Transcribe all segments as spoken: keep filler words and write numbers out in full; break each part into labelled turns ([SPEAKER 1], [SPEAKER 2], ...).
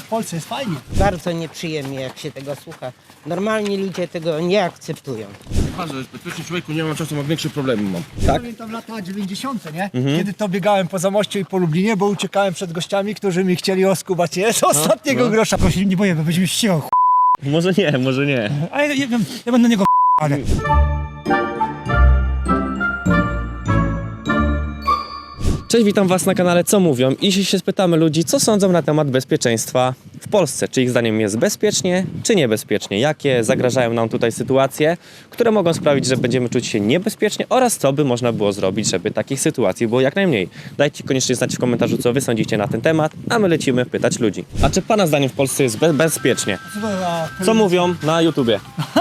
[SPEAKER 1] Polsce jest fajnie.
[SPEAKER 2] Bardzo nieprzyjemnie, jak się tego słucha. Normalni ludzie tego nie akceptują.
[SPEAKER 3] Bardzo bezpiecznie, człowieku, nie mam czasu, mam większe problemy mam.
[SPEAKER 1] Tak? Pamiętam lata dziewięćdziesiąte, nie? Mhm. Kiedy to biegałem po Zamościu i po Lublinie, bo uciekałem przed gościami, którzy mi chcieli oskubać je z ostatniego
[SPEAKER 3] no.
[SPEAKER 1] grosza. Prosili, nie boję, bo będziemy ścigał, ch...
[SPEAKER 3] Może nie, może nie.
[SPEAKER 1] Ale ja, ja, ja będę niego ch... ale...
[SPEAKER 4] Cześć, witam Was na kanale Co Mówią i dzisiaj się spytamy ludzi, co sądzą na temat bezpieczeństwa w Polsce. Czy ich zdaniem jest bezpiecznie, czy niebezpiecznie? Jakie zagrażają nam tutaj sytuacje, które mogą sprawić, że będziemy czuć się niebezpiecznie oraz co by można było zrobić, żeby takich sytuacji było jak najmniej. Dajcie koniecznie znać w komentarzu, co Wy sądzicie na ten temat, a my lecimy pytać ludzi. A czy Pana zdaniem w Polsce jest be bezpiecznie? Co mówią na YouTubie?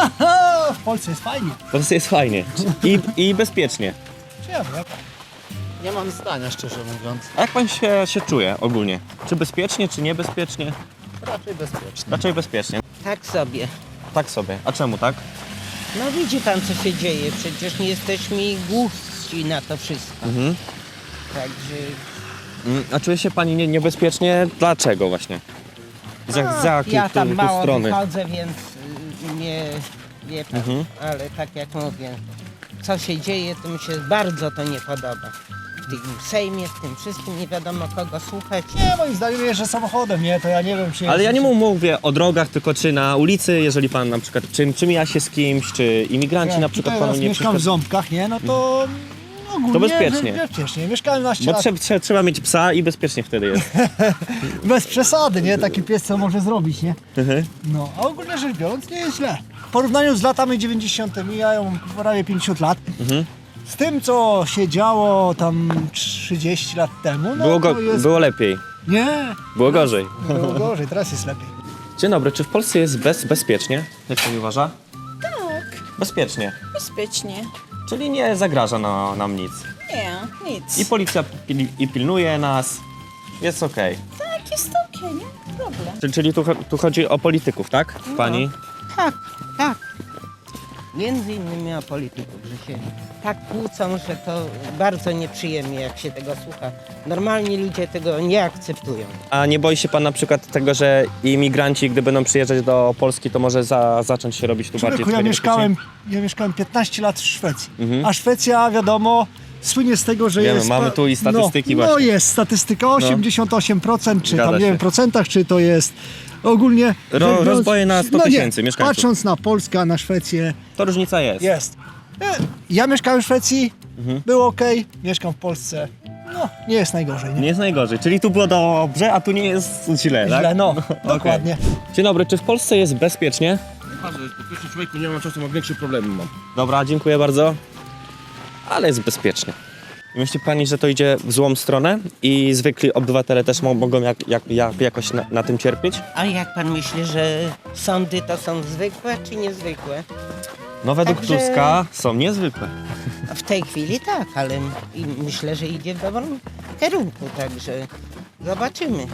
[SPEAKER 1] W Polsce jest fajnie.
[SPEAKER 4] W Polsce jest fajnie i, i bezpiecznie.
[SPEAKER 1] Czy ja wiem?
[SPEAKER 5] Nie mam zdania, szczerze mówiąc.
[SPEAKER 4] A jak Pan się, się czuje ogólnie? Czy bezpiecznie, czy niebezpiecznie?
[SPEAKER 5] Raczej bezpiecznie.
[SPEAKER 4] Raczej bezpiecznie.
[SPEAKER 2] Tak sobie.
[SPEAKER 4] Tak sobie. A czemu tak?
[SPEAKER 2] No widzi pan, co się dzieje. Przecież nie jesteśmy głusi na to wszystko.
[SPEAKER 4] Mhm.
[SPEAKER 2] Także
[SPEAKER 4] Mm, A czuje się Pani nie, niebezpiecznie? Dlaczego właśnie? Z, jak- z jakiej
[SPEAKER 2] ja tam
[SPEAKER 4] tu, tu
[SPEAKER 2] mało
[SPEAKER 4] strony?
[SPEAKER 2] wychodzę, więc y, nie wie pan.
[SPEAKER 4] Mhm.
[SPEAKER 2] Ale tak jak mówię, co się dzieje, to mi się bardzo to nie podoba. W tym Sejmie, w tym wszystkim nie wiadomo kogo słuchać.
[SPEAKER 1] Nie, moim zdaniem jeżdżę samochodem, nie? To ja nie wiem, czy...
[SPEAKER 4] Ale ja nie mówię o drogach, tylko czy na ulicy, jeżeli Pan na przykład, czy, czy mija się z kimś, czy imigranci
[SPEAKER 1] Jak
[SPEAKER 4] na przykład
[SPEAKER 1] tutaj
[SPEAKER 4] Panu
[SPEAKER 1] raz
[SPEAKER 4] nie
[SPEAKER 1] mieszkam w
[SPEAKER 4] przeszkadzają.
[SPEAKER 1] Ząbkach, nie? No to... Ogólnie
[SPEAKER 4] To bezpiecznie.
[SPEAKER 1] be- Bezpiecznie. Mieszkałem na
[SPEAKER 4] Bo
[SPEAKER 1] lat.
[SPEAKER 4] trzeba, trzeba, trzeba mieć psa i bezpiecznie wtedy jest.
[SPEAKER 1] Bez przesady, nie? Taki pies co może zrobić, nie?
[SPEAKER 4] Mhm.
[SPEAKER 1] No, a ogólnie rzecz biorąc nie jest źle. W porównaniu z latami dziewięćdziesiątymi, ja ją prawie pięćdziesiąt lat,
[SPEAKER 4] Mhm.
[SPEAKER 1] z tym co się działo tam trzydzieści lat temu, no
[SPEAKER 4] Było, go,
[SPEAKER 1] to jest...
[SPEAKER 4] było lepiej,
[SPEAKER 1] Nie,
[SPEAKER 4] było gorzej.
[SPEAKER 1] było gorzej, teraz jest lepiej.
[SPEAKER 4] Dzień dobry, czy w Polsce jest bez, bezpiecznie? Jak Pani uważa?
[SPEAKER 6] Tak,
[SPEAKER 4] Bezpiecznie,
[SPEAKER 6] bezpiecznie.
[SPEAKER 4] czyli nie zagraża na, nam nic.
[SPEAKER 6] Nie, nic.
[SPEAKER 4] I policja pil, i pilnuje nas, jest okej.
[SPEAKER 6] Tak, jest okej, nie ma problem.
[SPEAKER 4] Czyli, czyli tu, cho- tu chodzi o polityków, tak? Pani?
[SPEAKER 2] Tak, tak. Między innymi o polityków, że się tak kłócą, że to bardzo nieprzyjemnie, jak się tego słucha. Normalni ludzie tego nie akceptują.
[SPEAKER 4] A nie boi się Pan na przykład tego, że imigranci, gdy będą przyjeżdżać do Polski, to może za, zacząć się robić tu bardziej
[SPEAKER 1] Człowieku, ja
[SPEAKER 4] tutaj
[SPEAKER 1] mieszkałem, ja mieszkałem piętnaście lat w Szwecji,
[SPEAKER 4] Mhm.
[SPEAKER 1] a Szwecja, wiadomo, słynie z tego, że
[SPEAKER 4] Wiemy,
[SPEAKER 1] jest...
[SPEAKER 4] mamy tu i statystyki
[SPEAKER 1] no, No
[SPEAKER 4] właśnie.
[SPEAKER 1] jest statystyka osiemdziesiąt osiem procent, czy
[SPEAKER 4] Zgadza
[SPEAKER 1] tam nie
[SPEAKER 4] się.
[SPEAKER 1] wiem, procentach, czy to jest ogólnie...
[SPEAKER 4] Ro-
[SPEAKER 1] rzecz biorąc-
[SPEAKER 4] rozboje na sto
[SPEAKER 1] no nie,
[SPEAKER 4] tysięcy mieszkańców.
[SPEAKER 1] Patrząc na Polskę, a na Szwecję,
[SPEAKER 4] To różnica jest.
[SPEAKER 1] jest. E, Ja mieszkałem w Szwecji,
[SPEAKER 4] Mhm.
[SPEAKER 1] było ok, mieszkam w Polsce, no nie jest najgorzej. Nie?
[SPEAKER 4] Nie jest najgorzej, czyli tu było dobrze, a tu nie jest źle, tak?
[SPEAKER 1] Źle, no,
[SPEAKER 4] Okej.
[SPEAKER 1] dokładnie.
[SPEAKER 4] Dzień dobry, czy w Polsce jest bezpiecznie?
[SPEAKER 3] Bardzo bezpiecznie, człowieku, nie mam czasu, mam większe problemy mam.
[SPEAKER 4] Dobra, dziękuję bardzo. Ale jest bezpiecznie. Myśli Pani, że to idzie w złą stronę i zwykli obywatele też mo- mogą jak, jak, jak, jakoś na, na tym cierpieć?
[SPEAKER 2] A jak pan myśli, że sądy to są zwykłe czy niezwykłe?
[SPEAKER 4] No według
[SPEAKER 2] Także-
[SPEAKER 4] Tuska są niezwykłe.
[SPEAKER 2] W tej chwili tak, ale m- i myślę, że idzie w dobrym kierunku, także zobaczymy.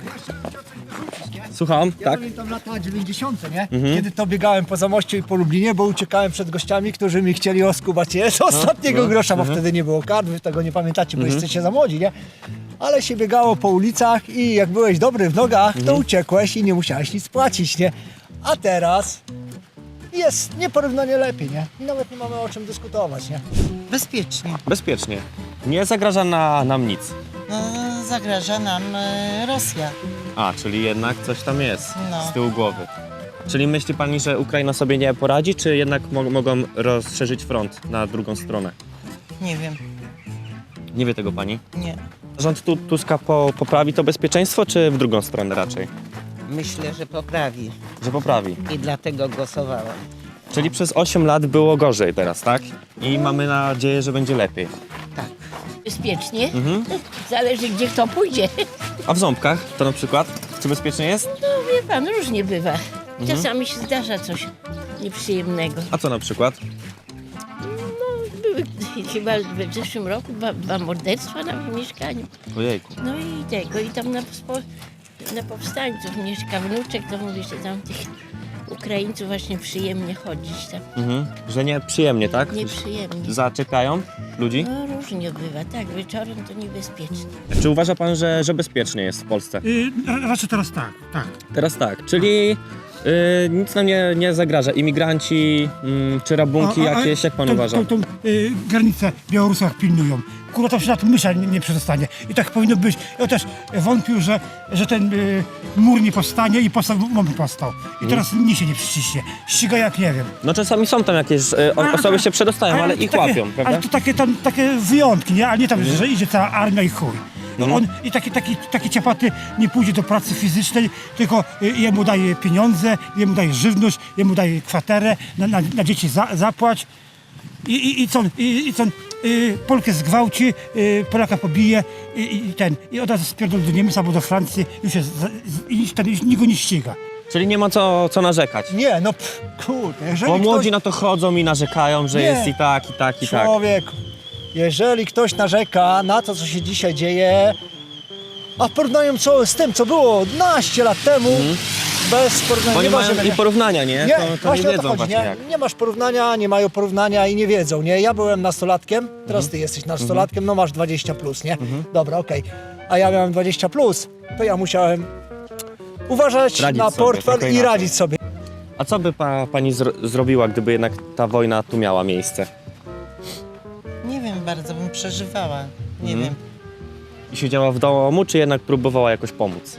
[SPEAKER 4] Słucham?
[SPEAKER 1] Ja
[SPEAKER 4] Tak?
[SPEAKER 1] pamiętam lata dziewięćdziesiąte, nie?
[SPEAKER 4] Mhm.
[SPEAKER 1] Kiedy to biegałem po Zamościu i po Lublinie, bo uciekałem przed gościami, którzy mi chcieli oskubać je z ostatniego
[SPEAKER 4] no,
[SPEAKER 1] grosza, bo
[SPEAKER 4] mhm.
[SPEAKER 1] wtedy nie było kart, wy tego nie pamiętacie, bo jesteście za młodzi, nie? Ale się biegało po ulicach i jak byłeś dobry w nogach, to
[SPEAKER 4] Mhm.
[SPEAKER 1] uciekłeś i nie musiałeś nic płacić, nie? A teraz jest nieporównanie lepiej, nie? I nawet nie mamy o czym dyskutować, nie?
[SPEAKER 2] Bezpiecznie.
[SPEAKER 4] Bezpiecznie. Nie zagraża na, nam nic.
[SPEAKER 6] No, zagraża nam e, Rosja.
[SPEAKER 4] A, czyli jednak coś tam jest
[SPEAKER 6] No.
[SPEAKER 4] z tyłu głowy. Czyli myśli Pani, że Ukraina sobie nie poradzi, czy jednak mo- mogą rozszerzyć front na drugą stronę?
[SPEAKER 6] Nie wiem,
[SPEAKER 4] Nie wie tego Pani.
[SPEAKER 6] nie.
[SPEAKER 4] Rząd tu, Tuska po, poprawi to bezpieczeństwo, czy w drugą stronę raczej?
[SPEAKER 2] Myślę, że poprawi
[SPEAKER 4] Że poprawi.
[SPEAKER 2] i dlatego głosowałam.
[SPEAKER 4] Czyli przez osiem lat było gorzej teraz, tak? I mamy nadzieję, że będzie lepiej.
[SPEAKER 7] Bezpiecznie.
[SPEAKER 4] Mhm.
[SPEAKER 7] Zależy, gdzie kto pójdzie.
[SPEAKER 4] A w Ząbkach to na przykład? Czy bezpiecznie jest?
[SPEAKER 7] No wie pan, różnie bywa. Czasami się zdarza coś nieprzyjemnego.
[SPEAKER 4] A co na przykład?
[SPEAKER 7] Były chyba w zeszłym roku dwa, dwa morderstwa na mieszkaniu.
[SPEAKER 4] Ojejku.
[SPEAKER 7] No i tego, i tam na, spo, na powstańców mieszka wnuczek, to mówi, że tam tych Ukraińców właśnie przyjemnie chodzić tam.
[SPEAKER 4] Mhm. Że nie przyjemnie, tak?
[SPEAKER 7] Nieprzyjemnie.
[SPEAKER 4] Zaczepiają ludzi?
[SPEAKER 7] No różnie bywa, tak, wieczorem to niebezpieczne.
[SPEAKER 4] Czy uważa pan, że, że bezpiecznie jest w Polsce?
[SPEAKER 8] Y, raczej teraz tak, tak.
[SPEAKER 4] Teraz tak, czyli y, nic nam nie, nie zagraża. Imigranci mm, czy rabunki
[SPEAKER 8] A- a- a
[SPEAKER 4] jakieś, jak pan
[SPEAKER 8] tą-
[SPEAKER 4] uważa?
[SPEAKER 8] Tą, tą y, granicę Białorusach pilnują. Kurwa, tam się nad mysza nie, nie przedostanie. I tak powinno być. Ja też wątpił, że, że ten y, mur nie powstanie i powstał, moment powstał. I teraz nikt się nie przyciśnie. Ściga jak nie wiem.
[SPEAKER 4] No czasami są tam jakieś y, o,
[SPEAKER 8] A-
[SPEAKER 4] osoby się przedostają, ale
[SPEAKER 8] to
[SPEAKER 4] ich
[SPEAKER 8] takie,
[SPEAKER 4] łapią, prawda?
[SPEAKER 8] Ale to takie, tam, takie wyjątki, nie? A nie tam, że idzie cała armia i chuj. No
[SPEAKER 4] Mhm.
[SPEAKER 8] on, I taki, taki, taki ciapaty nie pójdzie do pracy fizycznej, tylko y, jemu daje pieniądze, jemu daje żywność, jemu daje kwaterę, na, na, na dzieci za, zapłać. I, i, i co on, i, i co on y, Polkę zgwałci, y, Polaka pobije i, i ten, i od razu spierdol do Niemiec albo do Francji, już jest, za- z- i ten, już nikt go nie ściga.
[SPEAKER 4] Czyli nie ma co, co narzekać.
[SPEAKER 1] Nie, no pff, kurde, jeżeli
[SPEAKER 4] Bo młodzi
[SPEAKER 1] ktoś...
[SPEAKER 4] na to chodzą i narzekają, że
[SPEAKER 1] Nie.
[SPEAKER 4] jest i tak, i tak, i tak.
[SPEAKER 1] Człowieku, jeżeli ktoś narzeka na to, co się dzisiaj dzieje, a w porównaniu co, z tym, co było naście lat temu, bez porównania,
[SPEAKER 4] Bo nie mają
[SPEAKER 1] możemy,
[SPEAKER 4] i porównania, nie?
[SPEAKER 1] Nie,
[SPEAKER 4] to, to nie
[SPEAKER 1] właśnie o to
[SPEAKER 4] wiedzą
[SPEAKER 1] chodzi,
[SPEAKER 4] właśnie
[SPEAKER 1] nie?
[SPEAKER 4] jak.
[SPEAKER 1] Nie masz porównania, nie mają porównania i nie wiedzą, nie? Ja byłem nastolatkiem, teraz
[SPEAKER 4] Mhm.
[SPEAKER 1] ty jesteś nastolatkiem, no masz dwadzieścia plus, nie? Dobra, okej. A ja miałem dwadzieścia plus, to ja musiałem uważać
[SPEAKER 4] Radzić
[SPEAKER 1] na
[SPEAKER 4] sobie,
[SPEAKER 1] portfel
[SPEAKER 4] trochę
[SPEAKER 1] i
[SPEAKER 4] inaczej.
[SPEAKER 1] radzić sobie.
[SPEAKER 4] A co by pa, pani zro- zrobiła, gdyby jednak ta wojna tu miała miejsce?
[SPEAKER 6] Nie wiem, bardzo bym przeżywała. Nie
[SPEAKER 4] Mhm.
[SPEAKER 6] wiem.
[SPEAKER 4] I siedziała w domu, czy jednak próbowała jakoś pomóc?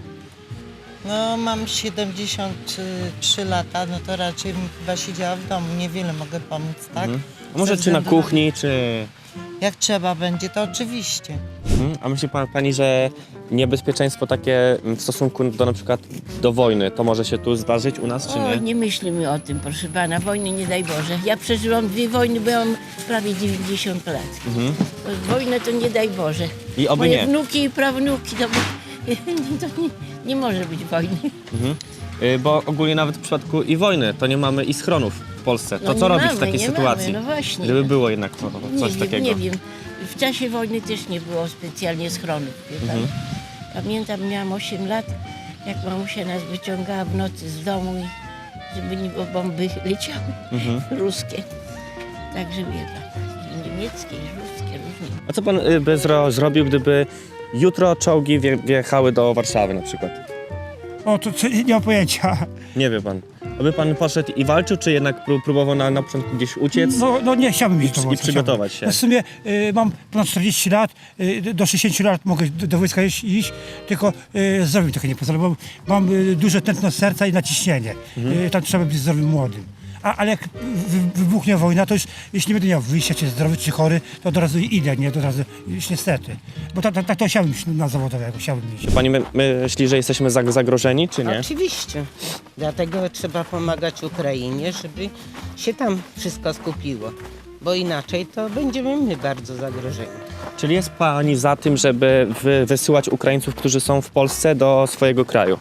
[SPEAKER 6] No mam siedemdziesiąt trzy lata, no to raczej bym chyba siedziała w domu. Niewiele mogę pomóc, tak?
[SPEAKER 4] Mhm. A może
[SPEAKER 6] Ze
[SPEAKER 4] czy na
[SPEAKER 6] względu
[SPEAKER 4] kuchni, czy...
[SPEAKER 6] Jak trzeba będzie, to oczywiście.
[SPEAKER 4] Mhm. A myśli pa, pani, że niebezpieczeństwo takie w stosunku do na przykład do wojny, to może się tu zdarzyć u nas, czy
[SPEAKER 7] O,
[SPEAKER 4] nie?
[SPEAKER 7] nie myślimy o tym, proszę pana, wojny nie daj Boże. Ja przeżyłam dwie wojny, byłam prawie dziewięćdziesiąt lat.
[SPEAKER 4] Mhm.
[SPEAKER 7] Wojnę to nie daj Boże.
[SPEAKER 4] I oby
[SPEAKER 7] Moje
[SPEAKER 4] nie.
[SPEAKER 7] wnuki i prawnuki, to, to nie, nie może być wojny.
[SPEAKER 4] Mhm. Y, Bo ogólnie nawet w przypadku i wojny to nie mamy i schronów w Polsce. To
[SPEAKER 7] No
[SPEAKER 4] co
[SPEAKER 7] nie
[SPEAKER 4] robić
[SPEAKER 7] mamy,
[SPEAKER 4] w takiej
[SPEAKER 7] nie
[SPEAKER 4] sytuacji?
[SPEAKER 7] Mamy, no właśnie.
[SPEAKER 4] Gdyby było jednak to,
[SPEAKER 7] Nie
[SPEAKER 4] coś
[SPEAKER 7] wiem,
[SPEAKER 4] takiego.
[SPEAKER 7] nie wiem. W czasie wojny też nie było specjalnie schronów, wie pan.
[SPEAKER 4] Mhm.
[SPEAKER 7] Pamiętam, miałam osiem lat, jak mamusia nas wyciągała w nocy z domu, i żeby nie było bomby leciały
[SPEAKER 4] Mhm.
[SPEAKER 7] ruskie. Także wie pan, i niemieckie, i ruskie, różnie.
[SPEAKER 4] A co pan y, by zro- zrobił, gdyby jutro czołgi wje- wjechały do Warszawy na przykład?
[SPEAKER 8] O, to, to nie mam pojęcia.
[SPEAKER 4] Nie wie pan. Aby pan poszedł i walczył, czy jednak pró- próbował na, na początku gdzieś uciec?
[SPEAKER 8] No, no nie, chciałbym iść do
[SPEAKER 4] I
[SPEAKER 8] wojska.
[SPEAKER 4] przygotować
[SPEAKER 8] chciałbym.
[SPEAKER 4] się.
[SPEAKER 8] No w sumie y, mam ponad czterdzieści lat, y, do sześćdziesięciu lat mogę do, do wojska iść, iść tylko y, zdrowie mi trochę nie pozwala, bo mam y, duże tętno serca i naciśnienie.
[SPEAKER 4] Mhm.
[SPEAKER 8] Y, tam trzeba być zdrowym młodym. A, ale jak wy, wybuchnie wojna, to już jeśli nie będę miał wyjścia, czy zdrowy, czy chory, to od razu idę, nie? To od razu, już niestety. Bo tak tak, tak to chciałbym iść na zawodowego, chciałbym iść.
[SPEAKER 4] Pani my, myśli, że jesteśmy zag- zagrożeni, czy nie?
[SPEAKER 2] Oczywiście. Dlatego trzeba pomagać Ukrainie, żeby się tam wszystko skupiło. Bo inaczej to będziemy my bardzo zagrożeni.
[SPEAKER 4] Czyli jest pani za tym, żeby wy, wysyłać Ukraińców, którzy są w Polsce, do swojego kraju?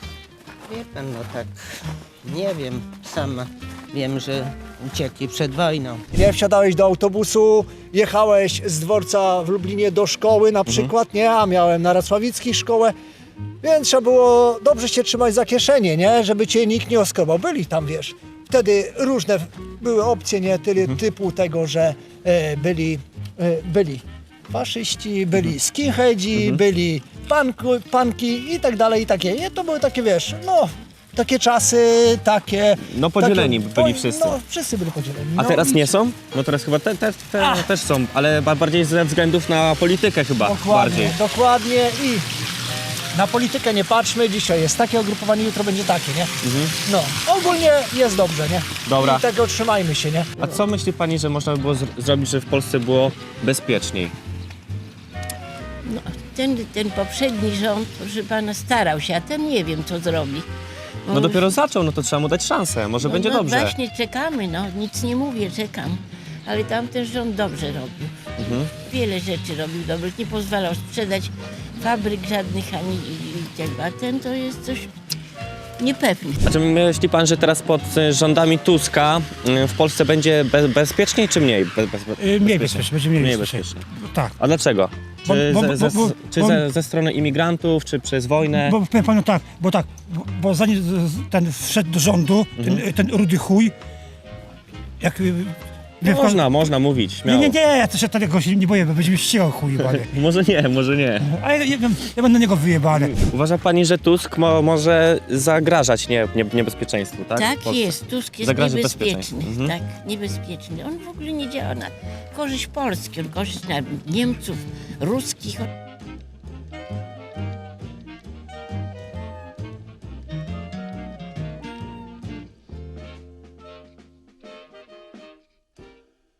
[SPEAKER 2] Wie pan, no tak, nie wiem, sama wiem, że uciekli przed wojną.
[SPEAKER 1] Nie, wsiadałeś do autobusu, jechałeś z dworca w Lublinie do szkoły na przykład, nie? A miałem na Racławickich szkołę, więc trzeba było dobrze się trzymać za kieszenie, nie? Żeby cię nikt nie oskrobał. Byli tam, wiesz. Wtedy różne były opcje, nie? Tyle typu tego, że e, byli, e, byli faszyści, byli skinheadzi, byli panku, panki i tak dalej, i takie. Nie? To były takie, wiesz, no... Takie czasy, takie...
[SPEAKER 4] No podzieleni
[SPEAKER 1] takie,
[SPEAKER 4] byli
[SPEAKER 1] po-
[SPEAKER 4] wszyscy.
[SPEAKER 1] No, wszyscy byli podzieleni.
[SPEAKER 4] A
[SPEAKER 1] no,
[SPEAKER 4] teraz
[SPEAKER 1] i-
[SPEAKER 4] nie są? No teraz chyba te, te, te, też są, ale ba- bardziej ze względów na politykę chyba
[SPEAKER 1] Dokładnie,
[SPEAKER 4] bardziej.
[SPEAKER 1] dokładnie i na politykę nie patrzmy, dzisiaj jest takie ugrupowanie, jutro będzie takie, nie? No, ogólnie jest dobrze, nie?
[SPEAKER 4] Dobra.
[SPEAKER 1] I tego trzymajmy się, nie?
[SPEAKER 4] A co myśli pani, że można by było zr- zrobić, żeby w Polsce było bezpieczniej?
[SPEAKER 7] No, ten, ten poprzedni rząd, proszę pana, starał się, a ten nie wiem, co zrobi. Bo
[SPEAKER 4] No dopiero zaczął, no to trzeba mu dać szansę, może
[SPEAKER 7] no,
[SPEAKER 4] będzie
[SPEAKER 7] no,
[SPEAKER 4] dobrze.
[SPEAKER 7] Właśnie czekamy, no, nic nie mówię, czekam. Ale tamten rząd dobrze robił.
[SPEAKER 4] Mhm.
[SPEAKER 7] Wiele rzeczy robił dobrych, nie pozwalał sprzedać fabryk żadnych ani i, i tego, a ten to jest coś niepewny.
[SPEAKER 4] A czy myśli pan, że teraz pod y, rządami Tuska y, w Polsce będzie be- bezpieczniej czy mniej? Be- bez-
[SPEAKER 8] Y, mniej bezpiecznie, będzie mniej,
[SPEAKER 4] Mniej
[SPEAKER 8] bezpiecznie.
[SPEAKER 4] bezpiecznie.
[SPEAKER 8] Tak.
[SPEAKER 4] A dlaczego? Czy,
[SPEAKER 8] bo-
[SPEAKER 4] ze,
[SPEAKER 8] bo-
[SPEAKER 4] ze,
[SPEAKER 8] bo-
[SPEAKER 4] czy
[SPEAKER 8] bo-
[SPEAKER 4] ze, ze strony imigrantów, czy przez wojnę?
[SPEAKER 8] Bo powiem panu tak, bo tak, bo, bo zanim z- z- ten wszedł do rządu,
[SPEAKER 4] Mhm.
[SPEAKER 8] ten, ten rudy chuj, jak... y, wie pan-
[SPEAKER 4] Można, można mówić,
[SPEAKER 8] Nie,
[SPEAKER 4] śmiało.
[SPEAKER 8] nie, nie, ja też się tego się nie boję, bo będzie mi ścigał chuj jebany.
[SPEAKER 4] Może nie, może nie.
[SPEAKER 8] Ale ja, ja, ja będę na niego wyjebany.
[SPEAKER 4] Uważa pani, że Tusk mo, może zagrażać nie, nie, niebezpieczeństwu, tak?
[SPEAKER 7] Tak
[SPEAKER 4] W Polsce?
[SPEAKER 7] jest, Tusk jest
[SPEAKER 4] Zagraża
[SPEAKER 7] niebezpieczny.
[SPEAKER 4] bezpieczeństwu. Mhm.
[SPEAKER 7] Tak, niebezpieczny. On w ogóle nie działa na korzyść Polski, on korzyść na Niemców, ruskich.